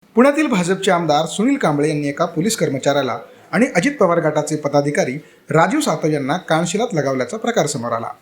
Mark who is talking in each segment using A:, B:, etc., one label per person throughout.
A: पुण्यातील भाजपचे आमदार सुनील कांबळे यांनी एका पोलीस कर्मचाऱ्याला आणि अजित पवार गटाचे पदाधिकारी राजीव सातव यांना कानशिलात लगावल्याचा प्रकार समोर आला।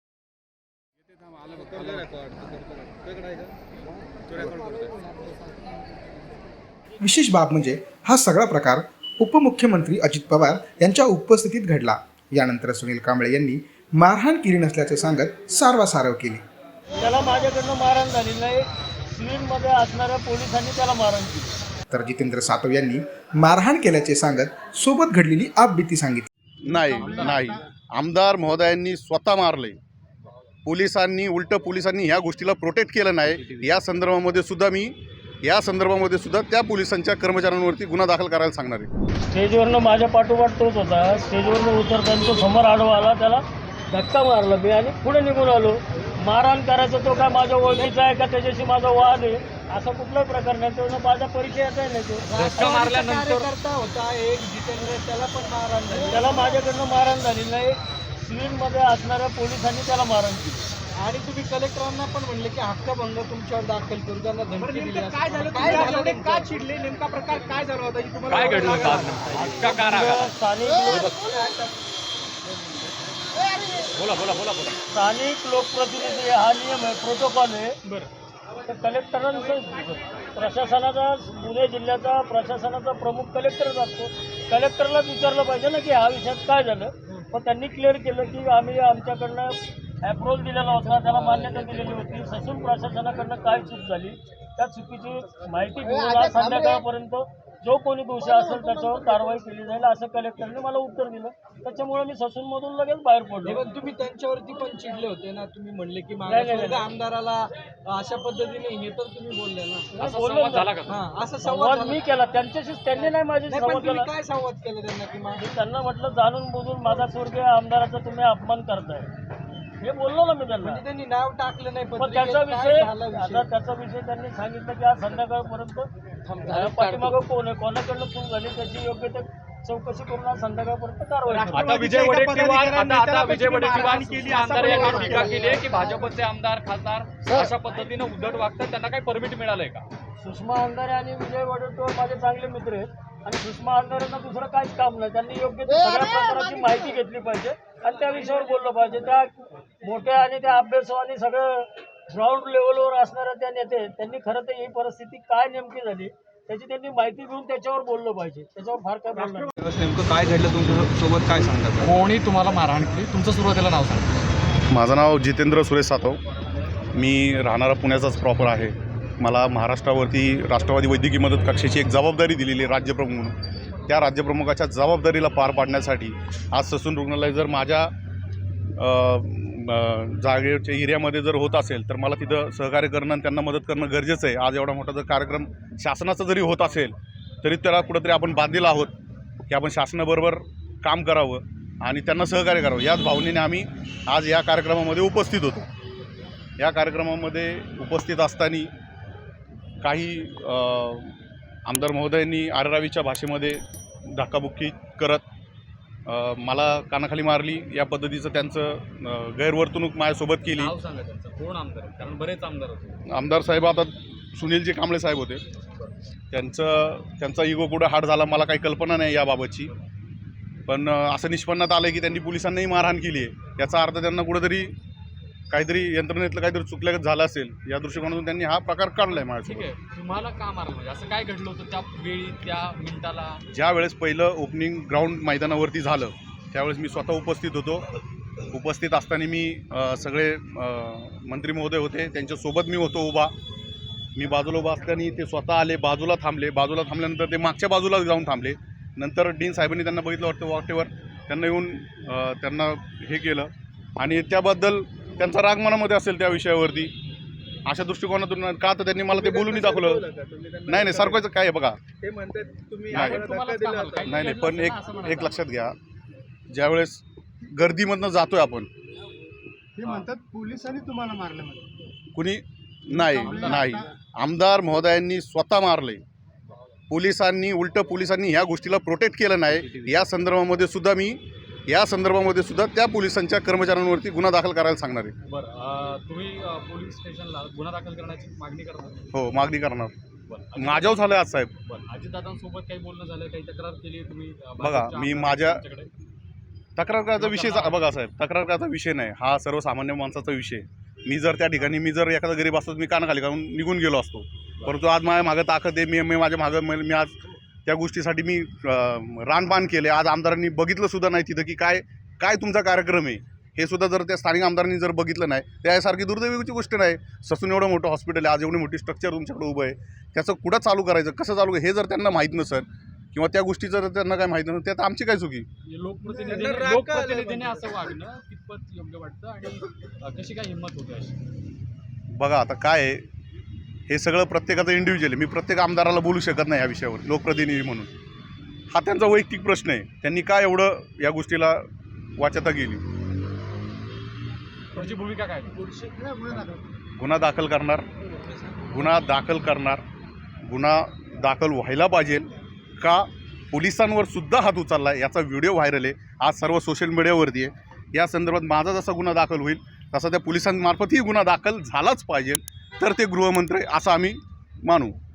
A: विशेष बाब म्हणजे हा सगळा प्रकार उपमुख्यमंत्री अजित पवार यांच्या उपस्थितीत घडला। यानंतर सुनील कांबळे यांनी मारहाण केली नसल्याचे सांगत सारवासारव केली।
B: त्याला माझ्याकडनं मारहाण झाली नाही, सिव्हिलमध्ये असणाऱ्या पोलिसांनी त्याला मारहाण केली।
A: तर जितेंद्र सातव यांनी मारहाण केल्याचे सांगत सोबत घडलेली आपबीती सांगितली।
C: नाही आमदार महोदयांनी स्वतः मारले, पोलिसांनी ह्या गोष्टीला प्रोटेक्ट केलं नाही। या संदर्भामध्ये सुद्धा त्या पोलिसांच्या कर्मचाऱ्यांवरती गुन्हा दाखल करायला सांगणार आहे।
B: स्टेजवरनं माझ्या पाठोपाठ तोच होता, स्टेजवरनं उतरताना तो समोर आडवा आला, त्याला धक्का मारला मी आणि पुढे निघून आलो। मारहाण करायचं तो काय माझ्या ओळखीचा आहे का त्याच्याशी माझा वाद आहे असा कुठलाही प्रकार नाही, तो माझा परिचयाचा आहे नाही। तो
D: धक्का मारल्यानंतर होता एक जितेंद्र, त्याला पण मारहाण झाली,
B: त्याला माझ्याकडनं मारहाण झाली नाही, सिव्हिलमध्ये असणाऱ्या पोलिसांनी त्याला मारहाण केली।
D: आणि तुम्ही कलेक्टरांना पण म्हणले की हक्कभंग तुमच्यावर दाखल करू, त्यांना धमकी दिली। काय झालं, का चिडले, नेमका प्रकार काय झाला होता की तुम्हाला
E: काय घडलं होतं आज नेमकं? इतका का राग आला? बोला.
B: स्थानिक लोकप्रतिनिधी हा नियम आहे, प्रोटोकॉल आहे। तर कलेक्टरांचं प्रशासनाचा, पुणे जिल्ह्याचा प्रशासनाचा प्रमुख कलेक्टरच असतो। कलेक्टरलाच विचारलं पाहिजे ना की ह्या विषयात काय झालं। पण त्यांनी क्लिअर केलं की आम्ही आमच्याकडनं अप्रोच दिलेला होता, त्याला मान्यता दिलेली होती। ससून प्रशासनाकडनं काय चूक झाली त्या चुकीची माहिती घेऊन आज संध्याकाळपर्यंत जो कोणी दोषी असेल त्याच्यावर कारवाई केली जाईल असं कलेक्टरने मला उत्तर दिलं। त्याच्यामुळे मी ससूनमधून लगेच बाहेर पडलो।
D: पण तुम्ही त्यांच्यावरती पण चिडले होते ना, तुम्ही म्हणले की मागासवर्ग आमदाराला अशा पद्धतीने हे तर तुम्ही बोलले ना,
B: बोललो
E: झाला का?
D: असं
B: संवाद मी केला त्यांच्याशी, त्यांनी नाही माझी संवाद केला।
D: काय संवाद केला त्यांना की
B: मी त्यांना म्हटलं जाणून बुजून मागासवर्गीय आमदाराचा तुम्ही अपमान करताय, हे बोललो ना मी त्यांना।
D: त्यांनी नाव टाकलं नाही,
B: पण त्याचा विषय त्यांनी सांगितलं की आज संध्याकाळपर्यंत पाठीमागं कोण आहे, कोणाकडनं चूक झाली त्याची योग्य ते चौकशी करून आज संध्याकाळपर्यंत कारवाई करू।
E: आता विजय वडेट्टीवार केली, आमदार यांनी टीका केली आहे की भाजपचे आमदार खासदार अशा पद्धतीने उद्धट वागतात, त्यांना काही परमिट मिळालंय का?
B: सुषमा अंधारे आणि विजय वडेट्टीवार माझे चांगले मित्र आहेत आणि सुषमा अंधारेंना दुसरं काहीच काम नाही। त्यांनी योग्य ते सगळ्या प्रकाराची माहिती घेतली पाहिजे आणि त्या विषयावर बोललं पाहिजे। त्या मोठ्या आणि त्या अभ्यासू आणि सगळं ग्राउंड लेवलवर असणाऱ्या त्या नेते, त्यांनी खरं तर ही परिस्थिती काय नेमकी झाली त्याची त्यांनी माहिती घेऊन त्याच्यावर बोललं पाहिजे। त्याच्यावर फार काय बोलणार
F: नेमकं काय घडलं तुमच्यासोबत, काय सांगतात?
E: कोणी तुम्हाला मारहाण केली? तुमचं सुरुवातीला नाव सांगा।
C: माझं नाव जितेंद्र सुरेश सातव, मी राहणारा पुण्याचाच प्रॉपर आहे। मला महाराष्ट्रावरती राष्ट्रवादी वैद्यकीय मदत कक्षाची एक जबाबदारी दिलेली आहे राज्यप्रमुख म्हणून। त्या राज्यप्रमुखाच्या जबाबदारीला पार पाडण्यासाठी आज ससून रुग्णालय जर माझ्या जागेच्या एरियामध्ये जर होत असेल तर मला तिथं सहकार्य करणं आणि त्यांना मदत करणं गरजेचं आहे। आज एवढा मोठा जर कार्यक्रम शासनाचा जरी होत असेल तरी त्याला कुठंतरी आपण बांधलेलं आहोत की आपण शासनाबरोबर काम करावं आणि त्यांना सहकार्य करावं। याच भावनेने आम्ही आज या कार्यक्रमामध्ये उपस्थित होतो। या कार्यक्रमामध्ये उपस्थित असताना काही आमदार महोदयांनी आररावीच्या भाषेमध्ये धक्काबुक्की करत मला कानाखाली मारली, या पद्धतीचं त्यांचं गैरवर्तणूक माझ्यासोबत केली।
E: नाव सांगा त्यांचं, कोण आमदार आहे? कारण बरेच आमदार होते।
C: आमदार साहेब आता सुनीलजी कांबळे साहेब होते, त्यांचा इगो कुठं हार्ड झाला मला काही कल्पना नाही याबाबतची। पण असं निष्पन्नात आलं की त्यांनी पोलिसांनाही मारहाण केली आहे, याचा अर्थ त्यांना कुठंतरी काहीतरी यंत्रणेतलं काहीतरी चुकल्यागत झालं असेल, या दृष्टिकोनातून त्यांनी हा प्रकार काढला आहे माझ्यासोबत।
E: ठीक आहे, तुम्हाला का मारलं म्हणजे असं काय घडलं होतं त्या वेळी, त्या मिनिटाला?
C: ज्या वेळेस पहिलं ओपनिंग ग्राउंड मैदानावरती झालं त्यावेळेस मी स्वतः उपस्थित होतो। उपस्थित असताना मी सगळे मंत्री महोदय होते, त्यांच्यासोबत मी होतो उभा। मी बाजूला उभा असताना ते स्वतः आले, बाजूला थांबल्यानंतर ते मागच्या बाजूला जाऊन थांबले। नंतर डीन साहेबांनी त्यांना बघितलं वाटेवर, त्यांना येऊन त्यांना हे केलं आणि त्याबद्दल त्यांचा राग मनामध्ये असेल त्या विषयावरती, अशा दृष्टिकोनातून का तर त्यांनी मला ते बोलूनही दाखवलं। नाही सारखं काय आहे बघा,
D: ते म्हणतात तुम्ही
C: नाही पण एक लक्षात घ्या, ज्यावेळेस गर्दीमधनं जातोय आपण,
D: ते म्हणतात पोलिसांनी तुम्हाला मारलं,
C: कुणी नाही आमदार महोदयांनी स्वतः मारले, पोलिसांनी ह्या गोष्टीला प्रोटेक्ट केलं नाही। या संदर्भामध्ये सुद्धा त्या पोलिसांच्या कर्मचाऱ्यांवरती गुन्हा दाखल करायला सांगणार आहे।
E: बरं, तुम्ही पोलीस स्टेशनला गुन्हा दाखल करण्याची मागणी करणार?
C: हो, मागणी करणार। माझ्यावर झालं आज साहेब.
E: अजितदादांसोबत काही बोलणं झालं, काही तक्रार केली तुम्ही?
C: बघा मी माझ्या तक्रार करायचा विषय बघा साहेब, तक्रार करायचा विषय नाही, हा सर्वसामान्य माणसाचा विषय. मी जर त्या ठिकाणी जर एखादा गरीब असतो मी कानाखाली घालून निघून गेलो असतो, परंतु आज माझ्या मागं ताकद आहे. मी माझ्या मागं मी आज त्या गोष्टीसाठी मी रानबान केले. आज आमदारांनी बघितलं सुद्धा नाही तिथं की काय तुमचा कार्यक्रम आहे हे सुद्धा जर त्या स्थानिक आमदारांनी जर बघितलं नाही, त्यासारखी दुर्दैवीची गोष्ट नाही. ससून एवढं मोठं हॉस्पिटल आहे, आज एवढी मोठी स्ट्रक्चर तुमच्याकडे उभं आहे, त्याचं कुठं चालू करायचं, कसं चालू हे जर त्यांना माहीत नसेल किंवा त्या गोष्टीचं जर त्यांना काय माहीत नसेल, त्यात आमची काय चुकी.
E: लोकप्रतिनिधीने असं वागणं कितपत योग्य वाटतं आणि कशी काय हिंमत होते अशी?
C: बघा आता काय आहे, हे सगळं प्रत्येकाचं इंडिव्हिज्युअल आहे. मी प्रत्येक आमदाराला बोलू शकत नाही या विषयावर लोकप्रतिनिधी म्हणून. हा त्यांचा वैयक्तिक प्रश्न आहे, त्यांनी काय एवढं या गोष्टीला वाच्यता केली.
E: तुमची भूमिका काय?
C: गुन्हा दाखल करणार, गुन्हा दाखल व्हायला पाहिजे का पोलिसांवर सुद्धा हात उचलला याचा व्हिडिओ व्हायरल आहे, आज सर्व सोशल मीडियावरती आहे. या संदर्भात माझा जसा गुन्हा दाखल होईल तसा त्या पोलिसांमार्फतही गुन्हा दाखल झालाच पाहिजे, तर ते गृहमंत्री असं आम्ही मानू.